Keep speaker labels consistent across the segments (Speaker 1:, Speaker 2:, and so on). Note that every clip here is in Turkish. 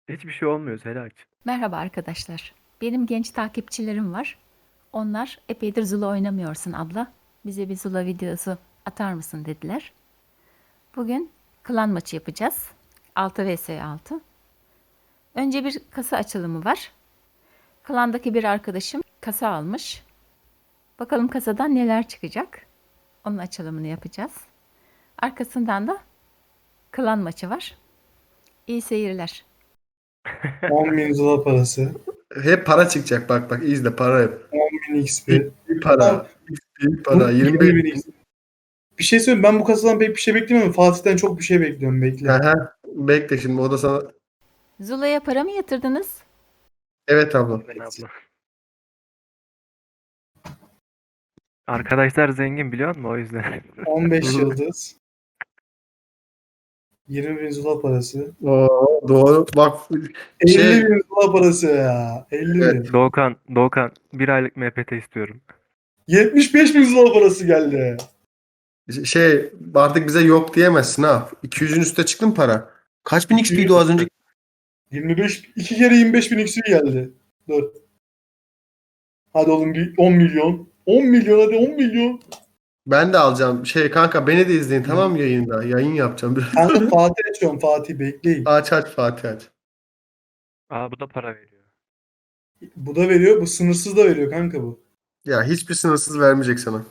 Speaker 1: Hiçbir şey olmuyor Selahattin.
Speaker 2: Merhaba arkadaşlar. Benim genç takipçilerim var. Onlar epeydir Zula oynamıyorsun abla. Bize bir Zula videosu atar mısın dediler. Bugün klan maçı yapacağız. 6 vs 6. Önce bir kasa açılımı var. Klandaki bir arkadaşım kasa almış. Bakalım kasadan neler çıkacak. Onun açılımını yapacağız. Arkasından da klan maçı var. İyi seyirler.
Speaker 3: 10.000 Zula parası.
Speaker 4: Hep para çıkacak, bak izle, para hep.
Speaker 3: 10.000 XP.
Speaker 4: Bir para.
Speaker 3: Tamam.
Speaker 4: Bir para.
Speaker 3: 20.000
Speaker 4: 25.
Speaker 3: XP. Bir şey söyleyeyim, ben bu kasadan pek bir şey beklemiyorum. Fatih'ten çok bir şey bekliyorum, bekle.
Speaker 4: Aha, bekle şimdi, o da sana.
Speaker 2: Zula'ya para mı yatırdınız?
Speaker 4: Evet abla.
Speaker 1: Ben abla. Arkadaşlar zengin biliyor musun o yüzden?
Speaker 3: 15 yıldız. 20.000 Zula parası.
Speaker 4: Oo, doğru. Bak
Speaker 3: 50.000 Zula parası ya. 50.000.
Speaker 4: Evet.
Speaker 1: Doğukan bir aylık MPT istiyorum.
Speaker 3: 75.000 Zula parası geldi.
Speaker 4: artık bize yok diyemezsin ha. 200'ün üstüne çıktı mı para? Kaç bin XP'ydi o az önce?
Speaker 3: 25, 2 kere 25.000 XP geldi. Dur. Hadi oğlum, bir 10 milyon. 10 milyon, hadi 10 milyon.
Speaker 4: Ben de alacağım. Kanka, beni de izleyin, tamam mı, yayında? Yayın yapacağım biraz.
Speaker 3: Kanka Fatih açıyorum, Fatih bekleyin.
Speaker 4: Aç Fatih aç.
Speaker 1: Aa bu da para veriyor.
Speaker 3: Bu da veriyor, bu sınırsız da veriyor kanka bu.
Speaker 4: Ya hiçbir sınırsız vermeyecek sana.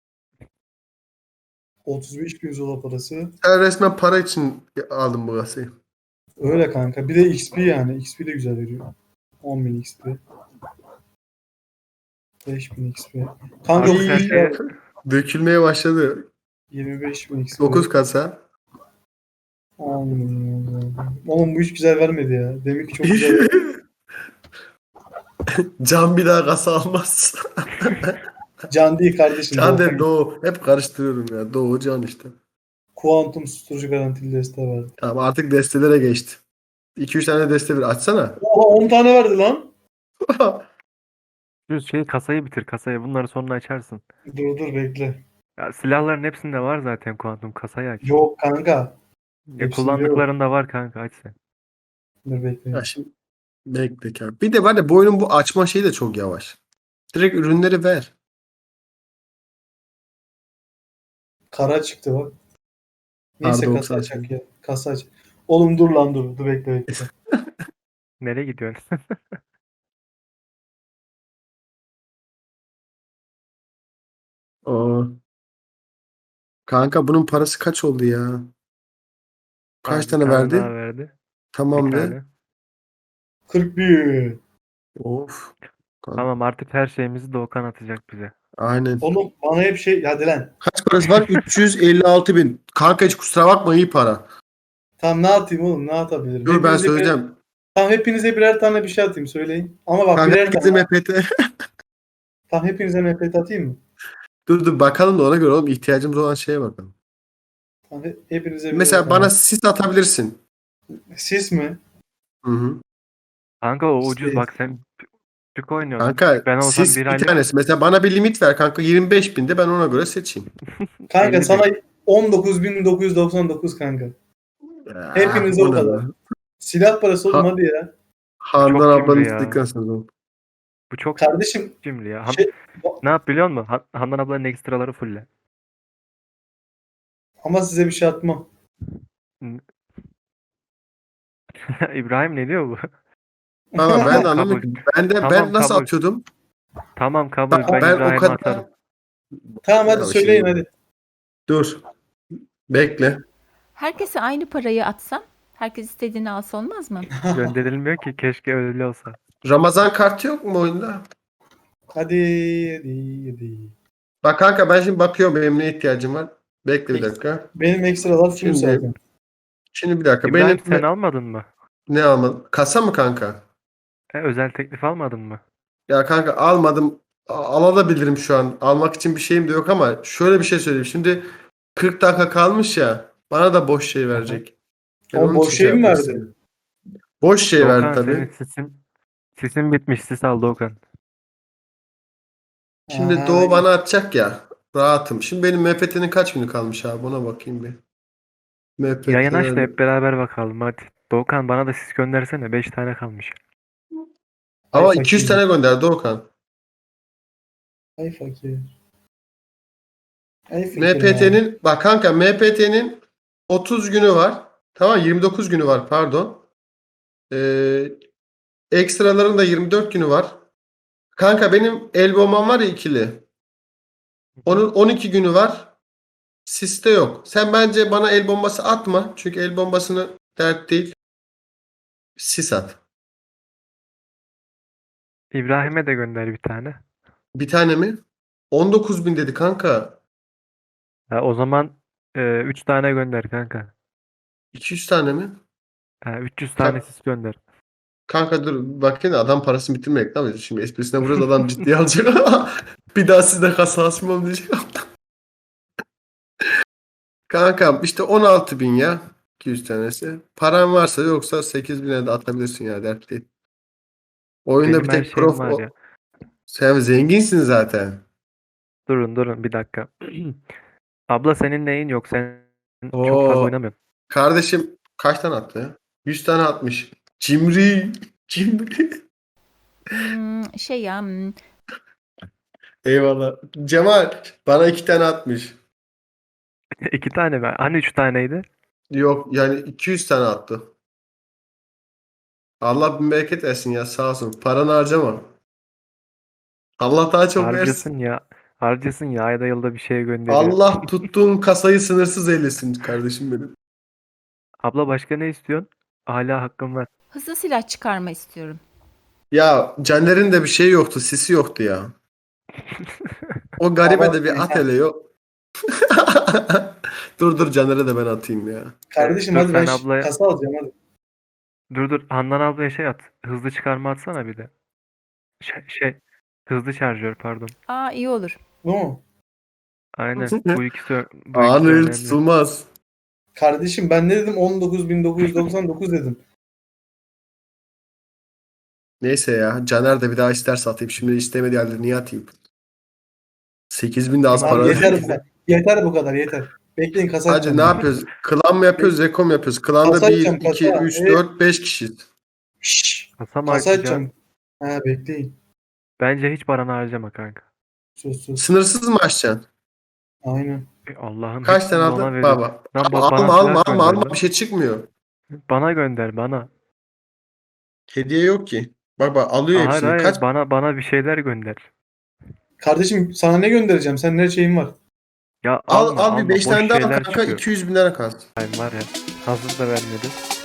Speaker 3: 35.000 Zula parası.
Speaker 4: Sen resmen para için aldın bu kasayı.
Speaker 3: Öyle kanka. Bir de XP yani. XP de güzel veriyor. 10.000 XP. 5.000 XP. Kanka
Speaker 1: Artık her şeye
Speaker 4: Dökülmeye başladı.
Speaker 3: 25.000 XP.
Speaker 4: 9 kasa.
Speaker 3: 10.000. Oğlum bu hiç güzel vermedi ya. Demek ki çok güzel verdi.
Speaker 4: Can bir daha kasa almaz.
Speaker 3: Can değil kardeşim.
Speaker 4: Can
Speaker 3: Doğu.
Speaker 4: de Doğu. Hep karıştırıyorum ya. Doğu Can işte.
Speaker 3: Kuantum susturucu garantili deste verdi.
Speaker 4: Tamam, artık destelere geçti. 2-3 tane deste bir açsana.
Speaker 3: Oha 10 tane verdi lan.
Speaker 1: şu kasayı bitir kasayı. Bunları sonra açarsın.
Speaker 3: Dur bekle.
Speaker 1: Ya silahların hepsinde var zaten kuantum kasayı aç.
Speaker 3: Yok kanka.
Speaker 1: Ya
Speaker 3: Hepsinde yok.
Speaker 1: kullandıklarında var kanka aç sen.
Speaker 3: Dur bekle.
Speaker 4: Ya şimdi bekle kanka. Bir de var ya, bu oyunun bu açma şeyi de çok yavaş. Direkt ürünleri ver.
Speaker 3: Kara çıktı bak. Neyse
Speaker 4: Pardon,
Speaker 3: kasa açak ya. Kasa aç. Oğlum dur lan dur. Dur bekle.
Speaker 1: Nereye gidiyorsun?
Speaker 4: Aa. Kanka, bunun parası kaç oldu ya? Kaç
Speaker 1: Abi, bir
Speaker 4: tane
Speaker 1: tane
Speaker 4: verdi?
Speaker 1: daha verdi. Bir
Speaker 4: Tamam de.
Speaker 1: tane.
Speaker 3: 41.
Speaker 4: Of. Kanka,
Speaker 1: Tamam artık her şeyimizi Doğukan atacak bize.
Speaker 4: aynen.
Speaker 3: Oğlum bana hep şey. Hadi lan.
Speaker 4: Kaç parası var? 356 bin. Kanka, hiç kusura bakma, iyi para.
Speaker 3: Tamam ne atayım oğlum? Ne atabilirim?
Speaker 4: Dur, ben
Speaker 3: Hepinize
Speaker 4: söyleyeceğim.
Speaker 3: Tamam hepinize birer tane bir şey atayım söyleyin. Ama bak
Speaker 4: Kanka,
Speaker 3: birer
Speaker 4: herkese
Speaker 3: tane.
Speaker 4: MPT.
Speaker 3: Tamam hepinize MPT atayım mı?
Speaker 4: Dur bakalım da ona göre oğlum, ihtiyacımız olan şeye bakalım.
Speaker 3: Tamam hepinize birer
Speaker 4: Mesela
Speaker 3: tane.
Speaker 4: bana sis atabilirsin.
Speaker 3: Siz mi?
Speaker 4: Hı hı.
Speaker 1: Kanka o ucuz
Speaker 3: Şey-
Speaker 1: bak sen küçük oynuyorsun.
Speaker 4: Kanka,
Speaker 1: Ben olsam
Speaker 4: sis
Speaker 1: bir
Speaker 4: bir
Speaker 1: aylık
Speaker 4: tanesi. Mesela bana bir limit ver kanka, 25 binde, ben ona göre seçeyim.
Speaker 3: Kanka
Speaker 1: 50
Speaker 3: sana
Speaker 1: bin.
Speaker 3: 19.999 kanka.
Speaker 4: Ya,
Speaker 3: Hepinize
Speaker 4: bu
Speaker 3: o
Speaker 4: ne
Speaker 3: kadar.
Speaker 4: lan?
Speaker 3: Silah parası oğlum hadi ya.
Speaker 4: Handan
Speaker 1: Çok cimri
Speaker 4: ablanın
Speaker 1: ya.
Speaker 4: istikrar.
Speaker 1: Bu çok
Speaker 3: Kardeşim
Speaker 1: cimri ya.
Speaker 3: şey,
Speaker 1: Ne yap biliyor musun? Handan ablanın ekstraları fulle.
Speaker 3: ama size bir şey atmam.
Speaker 1: İbrahim ne diyor bu?
Speaker 4: Tamam, ben de
Speaker 1: Tamam,
Speaker 4: anlamadım
Speaker 1: kabul.
Speaker 4: ki. Ben
Speaker 1: Tamam,
Speaker 4: nasıl
Speaker 1: kabul.
Speaker 4: atıyordum?
Speaker 1: Tamam kabul. Ben
Speaker 4: Ben o
Speaker 1: İbrahim'e
Speaker 4: kadar...
Speaker 1: atarım.
Speaker 3: Tamam hadi
Speaker 4: Ya
Speaker 3: söyleyin
Speaker 4: şimdi-
Speaker 3: hadi.
Speaker 4: Dur. Bekle.
Speaker 2: Herkese aynı parayı atsam, herkes istediğini alsa olmaz mı?
Speaker 1: Gönderilmiyor ki. Keşke öyle olsa.
Speaker 4: Ramazan kartı yok mu oyunda?
Speaker 3: Hadi.
Speaker 4: Bak kanka, ben şimdi bakıyorum benim ne ihtiyacım var. Bekle bir dakika.
Speaker 3: Benim ekstralar full
Speaker 4: Şimdi
Speaker 3: zaten.
Speaker 4: bir dakika.
Speaker 1: İbrahim
Speaker 4: Benim
Speaker 1: sen almadın mı?
Speaker 4: ne almadım? Kasa mı kanka?
Speaker 1: Özel teklif almadın mı?
Speaker 4: Ya kanka, almadım. Alabilirim şu an. Almak için bir şeyim de yok ama şöyle bir şey söyleyeyim. Şimdi 40 dakika kalmış ya. Bana da boş şey verecek. Ben
Speaker 3: Ama
Speaker 4: onun
Speaker 3: boş
Speaker 4: için
Speaker 3: şey mi
Speaker 4: yapmak
Speaker 3: verdi?
Speaker 4: istedim. Boş şey verdi
Speaker 1: Doğukan senin
Speaker 4: tabii.
Speaker 1: sisin bitmiş. Sis al Doğukan.
Speaker 4: Şimdi
Speaker 3: Aha,
Speaker 4: Doğu bana atacak ya. Rahatım. Şimdi benim MPT'nin kaç günü kalmış abi? Ona bakayım bir.
Speaker 1: Yayın aç da
Speaker 4: MPT.
Speaker 1: hep beraber bakalım hadi. Doğukan bana da sis göndersene. 5 tane kalmış.
Speaker 4: Ama
Speaker 3: Ay
Speaker 4: 200
Speaker 3: fakir.
Speaker 4: tane gönderdi Okan.
Speaker 3: Ay fakir. Ay fakir.
Speaker 4: MPT'nin bak kanka MPT'nin 30 günü var. Tamam 29 günü var pardon. Ekstraların da 24 günü var. Kanka benim el bombam var ya ikili. Onun 12 günü var. Siste yok. Sen bence bana el bombası atma. Çünkü el bombasını dert değil. Sis at.
Speaker 1: İbrahim'e de gönder bir tane.
Speaker 4: Bir tane mi? 19.000 dedi kanka.
Speaker 1: Ha, o zaman 3 tane gönder kanka.
Speaker 4: 200 tane mi?
Speaker 1: Ha, 300 tane sis gönder.
Speaker 4: Kanka dur bakayım da adam parasını bitirmeyek değil mi? Şimdi esprisine vuruyoruz adam ciddiye alacak. Bir daha sizde kasa açmam diyecek. Kankam işte 16.000 ya. 200 tanesi. Paran varsa yoksa 8.000'e de atabilirsin ya dert değil. Oyunda
Speaker 1: Benim
Speaker 4: bir
Speaker 1: her
Speaker 4: tek
Speaker 1: şeyim
Speaker 4: prof
Speaker 1: var ya.
Speaker 4: sen zenginsin zaten.
Speaker 1: Durun bir dakika. Abla senin neyin yok? Sen çok fazla
Speaker 4: Oo
Speaker 1: oynamıyorsun.
Speaker 4: kardeşim kaç tane attı ya? 100 tane atmış. Cimri. Cimri.
Speaker 2: Şey ya,
Speaker 4: Eyvallah. Cemal bana 2 tane atmış.
Speaker 1: 2 tane mi? Hani 3 taneydi?
Speaker 4: Yok yani 200 tane attı. Allah bin bereket versin ya sağ olsun. Paranı harcama. Allah daha çok versin.
Speaker 1: Harcasın ya. Harcasın ya. Ayda yılda bir şey gönderiyor.
Speaker 4: Allah tuttuğun kasayı sınırsız eylesin kardeşim benim.
Speaker 1: Abla başka ne istiyorsun? Hala hakkım var.
Speaker 2: hızlı silah çıkarma istiyorum.
Speaker 4: Ya Caner'in de bir şey yoktu, sisi yoktu ya. O garibe
Speaker 3: Ama
Speaker 4: de bir at hele yok. Dur Caner'e de ben atayım ya.
Speaker 3: Kardeşim
Speaker 1: Dur,
Speaker 3: hadi ben
Speaker 1: sen ablaya-
Speaker 3: kasa alacağım hadi.
Speaker 1: Dur. Handan ablaya şey at. Hızlı çıkarma atsana bir de. Hızlı şarjör pardon.
Speaker 2: Aa, iyi olur.
Speaker 3: Bu mu?
Speaker 1: Aynen. Bu ikisi
Speaker 4: Anı el
Speaker 1: önemli.
Speaker 4: tutulmaz.
Speaker 3: Kardeşim ben ne dedim? 19.999 dedim.
Speaker 4: Neyse ya. Caner de bir daha isterse atayım. Şimdi istemediği halde niye atayım? 8.000 de az
Speaker 1: Abi
Speaker 4: para.
Speaker 3: Abi yeter
Speaker 4: değil.
Speaker 3: bu kadar. Yeter bu kadar yeter. Bekleyin kasa
Speaker 4: Hadi
Speaker 3: açacağım.
Speaker 4: ne yapıyoruz? Klan mı yapıyoruz? Zeko mu yapıyoruz? Klanda
Speaker 3: Kasa
Speaker 4: 1,
Speaker 3: açacağım,
Speaker 4: 2,
Speaker 3: kasa.
Speaker 4: 3,
Speaker 3: Evet.
Speaker 4: 4, 5 kişiyiz.
Speaker 3: Şşş.
Speaker 1: Kasa mı
Speaker 3: Kasa
Speaker 1: açacaksın?
Speaker 3: açacağım. Ha bekleyin.
Speaker 1: Bence hiç paranı harcama kanka.
Speaker 3: Sus.
Speaker 4: Sınırsız mı açacaksın?
Speaker 3: Aynen.
Speaker 1: Allah'ım
Speaker 4: Kaç
Speaker 1: hepsini
Speaker 4: tane
Speaker 1: ona
Speaker 4: aldın?
Speaker 1: veriyor.
Speaker 4: Baba.
Speaker 1: Lan
Speaker 4: Alma
Speaker 1: bana
Speaker 4: alma
Speaker 1: silah gönder
Speaker 4: alma
Speaker 1: lan.
Speaker 4: bir şey çıkmıyor.
Speaker 1: Bana gönder bana.
Speaker 4: Hediye yok ki. Bak alıyor
Speaker 1: Hayır
Speaker 4: hepsini.
Speaker 1: hayır
Speaker 4: Kaç?
Speaker 1: bana bir şeyler gönder.
Speaker 3: Kardeşim sana ne göndereceğim? Sen ne şeyin var?
Speaker 1: Ya
Speaker 4: Al
Speaker 1: alma
Speaker 4: bir 5
Speaker 1: boş
Speaker 4: tane daha al
Speaker 1: şeyler
Speaker 4: kanka
Speaker 1: çıkıyor.
Speaker 4: 200 bin lira kalsın.
Speaker 1: Ay var ya hazır da vermedi.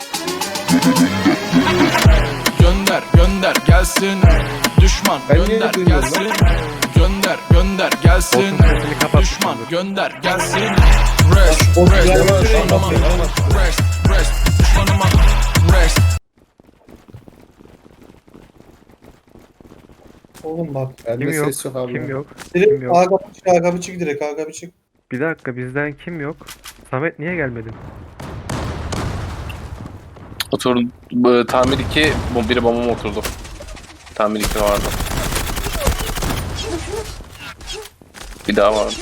Speaker 5: Gönder gelsin. Düşman
Speaker 3: Ben niye
Speaker 5: gönder
Speaker 3: duymuyorum
Speaker 5: gelsin. Gönder gelsin.
Speaker 1: Botun sesini kapat.
Speaker 5: Düşman gönder gelsin.
Speaker 3: O
Speaker 5: Rest
Speaker 3: güzel bir şey
Speaker 5: düşmanıma.
Speaker 3: yapamaz.
Speaker 5: Rest düşmanıma. Rest.
Speaker 3: Oğlum bak.
Speaker 4: Bende
Speaker 1: Kim yok?
Speaker 4: ses yok abi.
Speaker 1: Kim yok?
Speaker 3: Direkt
Speaker 1: yok?
Speaker 3: A kapı çık direkt A kapı çık.
Speaker 1: Bir dakika bizden kim yok? Samet niye gelmedin?
Speaker 6: Oturdu. Tamir 2, biri bombama oturdu. Tamir 2 vardı. Bir daha vardı.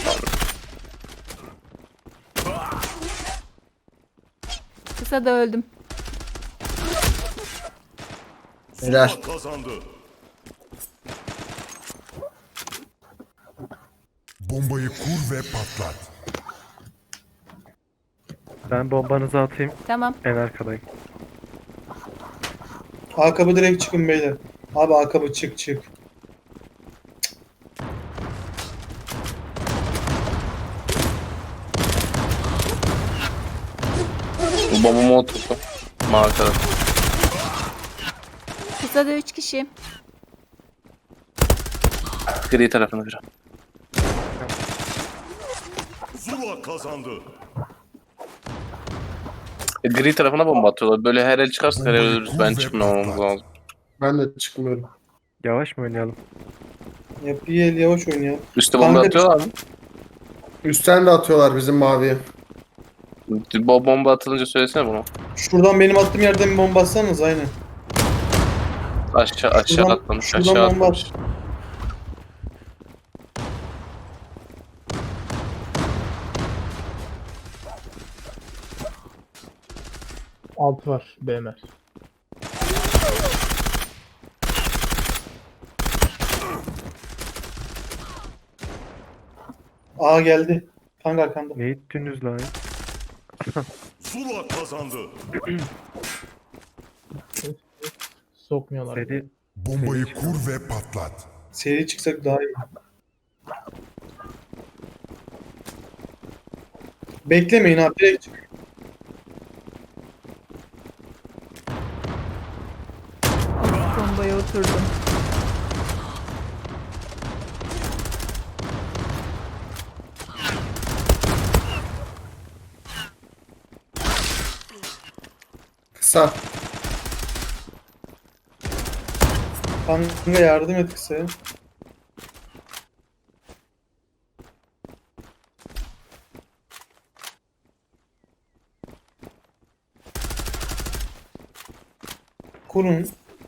Speaker 2: Kısa da öldüm.
Speaker 4: Helal.
Speaker 7: Kazandı. Bombayı kur ve patlat.
Speaker 1: Ben bombanızı atayım.
Speaker 2: Tamam.
Speaker 1: En arkadayım.
Speaker 3: A kapı direkt çıkın beyler. Abi A kapı çık.
Speaker 6: Bu bombama oturdu. Markada.
Speaker 2: Kısa da 3 kişi.
Speaker 6: Gri tarafına bir.
Speaker 7: Zula kazandı.
Speaker 6: Gri tarafına bomba atıyorlar. Böyle her el çıkarsa her el ölürüz. Ben çıkmamamız lazım.
Speaker 4: Ben de çıkmıyorum.
Speaker 1: Yavaş mı oynayalım?
Speaker 3: Yap bir el yavaş oynayalım.
Speaker 6: Üste bomba
Speaker 3: Kanka,
Speaker 6: atıyorlar mı?
Speaker 4: Üstten de atıyorlar bizim maviye.
Speaker 6: Bu bomba atılınca söylesene bunu.
Speaker 3: Şuradan benim attığım yerden bir bomba atsanız aynen.
Speaker 6: Aşağı
Speaker 3: Şuradan-
Speaker 6: atlamış.
Speaker 3: şuradan
Speaker 6: Aşağı
Speaker 3: bomba
Speaker 6: atlamış.
Speaker 8: Alt var BMR.
Speaker 3: A geldi. Kanka arkanda.
Speaker 1: Ne ittiniz lan?
Speaker 7: Zula kazandı.
Speaker 8: Sokmuyorlar.
Speaker 1: Seri
Speaker 7: Bombayı kur ve patlat.
Speaker 3: Seri çıksak daha iyi. Beklemeyin abi. Direkt çık.
Speaker 2: Bombaya oturdum.
Speaker 4: Kısa.
Speaker 3: Kanka yardım et kısaya. Kurun.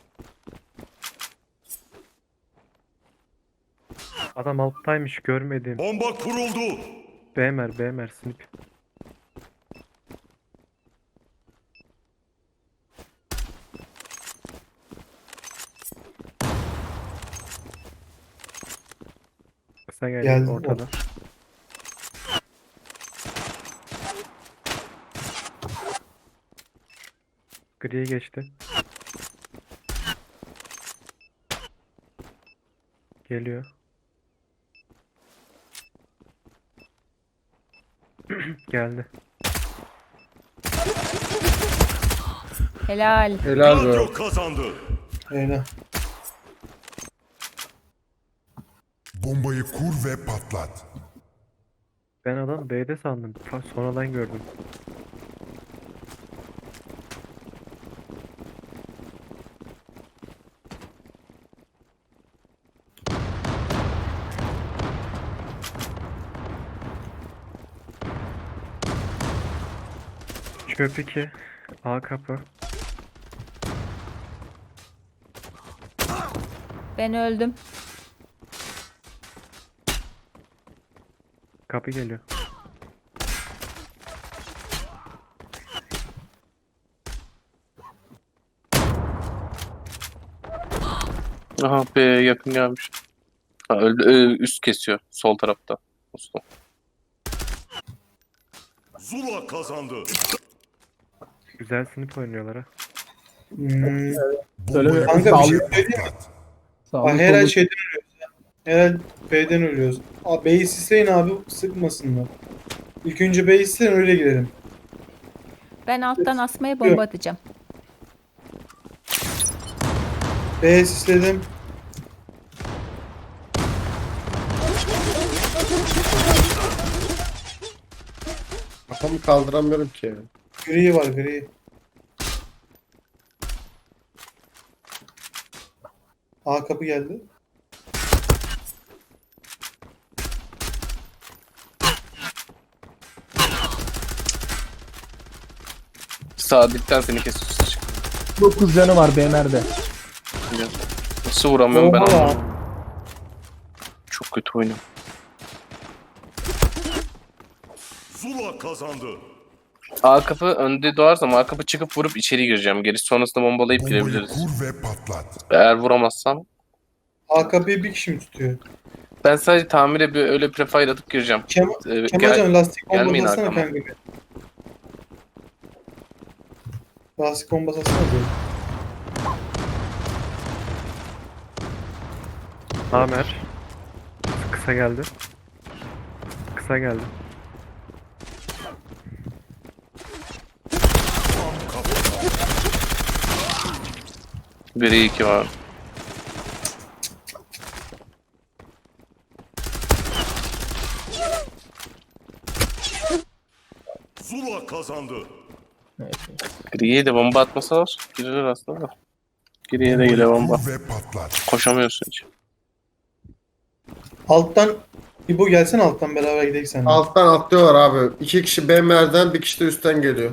Speaker 1: adam alttaymış görmedim.
Speaker 7: Bomba kuruldu.
Speaker 1: BMR snip. Kısa geldi
Speaker 3: Geldi.
Speaker 1: ortada. Griye geçti. Geliyor. Geldi.
Speaker 2: Helal.
Speaker 4: Helal be.
Speaker 7: Radyo kazandı.
Speaker 3: Öyle.
Speaker 7: Bombayı kur ve patlat.
Speaker 1: Ben adam B'de sandım. Sonradan gördüm. Çöp 2. A kapı.
Speaker 2: Ben öldüm.
Speaker 1: Kapı geliyor.
Speaker 6: Aha be yakın gelmiş. Ha, öldü. Üst kesiyor. Sol tarafta. Usta.
Speaker 7: Zula kazandı.
Speaker 1: Güzel snip oynuyorlar ha.
Speaker 3: Hmm.
Speaker 7: Bombayı
Speaker 3: Kanka bir
Speaker 7: kur
Speaker 3: şey
Speaker 7: ve
Speaker 3: söyleyeyim mi?
Speaker 7: patlat.
Speaker 3: Bak herhalde şeyden ölüyoruz ya. Herhalde B'den ölüyoruz. Abi B'yi sisleyin abi sıkmasınlar. İlk önce B'yi sisleyin öyle girelim.
Speaker 2: Ben alttan asmaya bomba atacağım.
Speaker 3: B'yi sisledim.
Speaker 4: Kafamı kaldıramıyorum ki.
Speaker 3: Gri var gri. A kapı geldi.
Speaker 6: Sağ dipten seni kesiyor. Çık.
Speaker 8: 9 canı var BMR'de.
Speaker 6: Nasıl vuramıyorum ben
Speaker 3: Bomba var.
Speaker 6: anlamadım. Çok kötü oynuyorum.
Speaker 7: Zula kazandı.
Speaker 6: A kapı önde doğarsam A kapı çıkıp vurup içeri gireceğim. Gerisi sonrasında bombalayıp
Speaker 7: Bombayı
Speaker 6: girebiliriz.
Speaker 7: kur ve patlat.
Speaker 6: Eğer vuramazsam
Speaker 3: A kapıyı bir kişi mi tutuyor?
Speaker 6: ben sadece tamire bir öyle prefire atıp gireceğim.
Speaker 3: Kemalcan lastik bombası
Speaker 6: gelmeyin
Speaker 3: atsana
Speaker 6: arkama.
Speaker 3: kanka. Lastik bombası atsana böyle.
Speaker 1: Amer. Kısa geldi. Kısa geldi.
Speaker 6: Biri 2 var.
Speaker 7: Zula kazandı.
Speaker 8: Evet.
Speaker 6: Griye de bomba atmasalar girer aslında da. Griye de geliyor bomba.
Speaker 7: Kur ve patlat.
Speaker 6: Koşamıyorsun hiç.
Speaker 3: Alttan İbo gelsen alttan beraber gidelim seninle.
Speaker 4: Alttan atlıyorlar abi. 2 kişi BMR'den, bir kişi de üstten geliyor.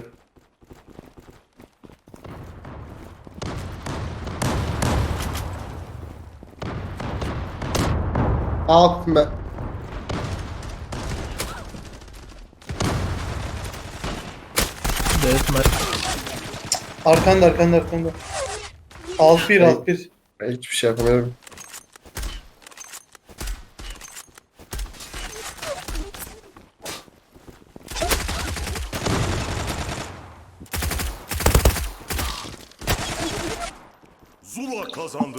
Speaker 4: Alt me...
Speaker 8: Deathmatch.
Speaker 3: Arkanda arkanda arkanda. Alt bir alt bir.
Speaker 4: Ben hiçbir şey yapamıyorum.
Speaker 7: Zula kazandı.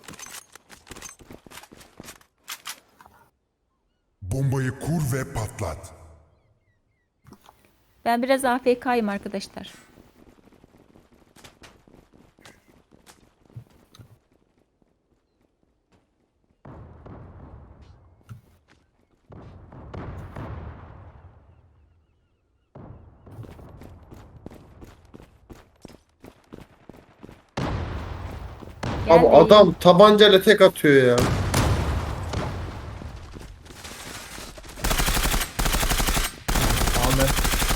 Speaker 7: Bombayı kur ve patlat.
Speaker 2: Ben biraz AFK'yım arkadaşlar. Gel
Speaker 4: Abi
Speaker 2: beyim.
Speaker 4: adam tabancayla tek atıyor ya.
Speaker 8: Ahmet.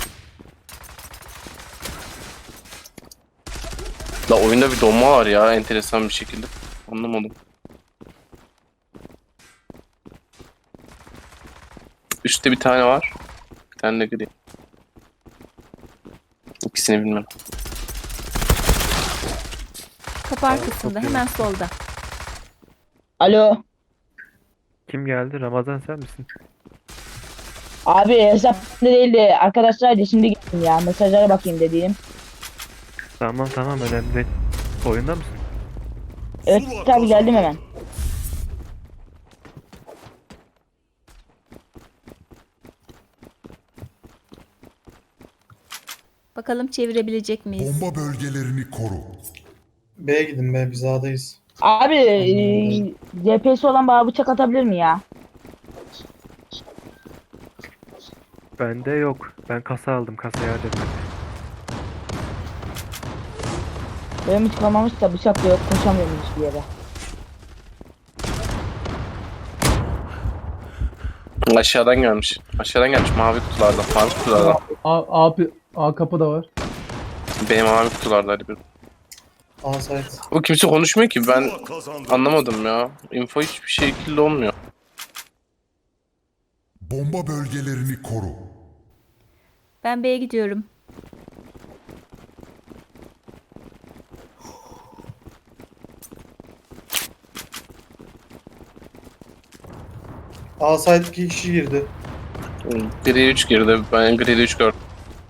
Speaker 6: La oyunda bir donma var ya enteresan bir şekilde. Anlamadım. Üstte bir tane var. Bir tane de gri. İkisini bilmem.
Speaker 2: Kapı arkasında hemen solda.
Speaker 9: Alo.
Speaker 1: Kim geldi? Ramazan sen misin?
Speaker 9: Abi hesap değildi. Arkadaşlar şimdi geldim ya. Mesajlara bakayım dediğim.
Speaker 1: Tamam tamam önemli değil. Oyunda mısın?
Speaker 9: Evet tabi geldim hemen.
Speaker 2: Bakalım çevirebilecek miyiz?
Speaker 7: Bomba bölgelerini koru.
Speaker 3: B'ye gidin be biz A'dayız.
Speaker 9: Abi DPS olan bana bıçak atabilir mi ya?
Speaker 1: Bende yok. Ben kasa aldım. Kasaya dedim.
Speaker 9: Benim hiç kalmamış da bıçak da yok. Koşamıyorum hiçbir yere.
Speaker 6: Aşağıdan gelmiş. Aşağıdan gelmiş mavi kutulardan. Mavi kutulardan.
Speaker 8: A kapı da var.
Speaker 6: Benim mavi kutularda hadi bir.
Speaker 3: A site.
Speaker 6: O kimse konuşmuyor ki ben
Speaker 7: Zula kazandı.
Speaker 6: anlamadım ya. Info hiçbir şekilde olmuyor.
Speaker 7: Bomba bölgelerini koru.
Speaker 2: Ben B'ye gidiyorum.
Speaker 3: A site 2 kişi girdi.
Speaker 6: Gri 3 girdi. Ben gri 3 gördüm.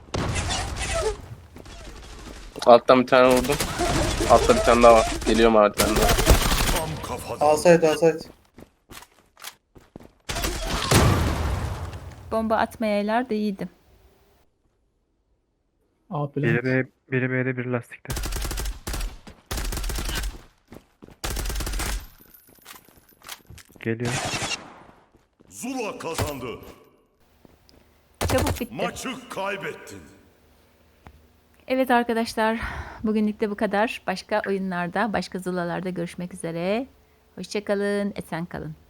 Speaker 6: Alttan bir tane vurdum. Altta bir tane daha var. Geliyor merdivenden.
Speaker 7: Tam kafada.
Speaker 3: A site A site.
Speaker 2: Bomba atmayalar da iyiydi.
Speaker 8: A
Speaker 1: Biri
Speaker 8: plan.
Speaker 1: B'de bir lastikte. Geliyor.
Speaker 7: Zula kazandı.
Speaker 2: Çabuk bitti.
Speaker 7: Maçı kaybettin.
Speaker 2: Evet arkadaşlar, bugünlük de bu kadar. Başka oyunlarda, başka zulalarda görüşmek üzere. Hoşça kalın, esen kalın.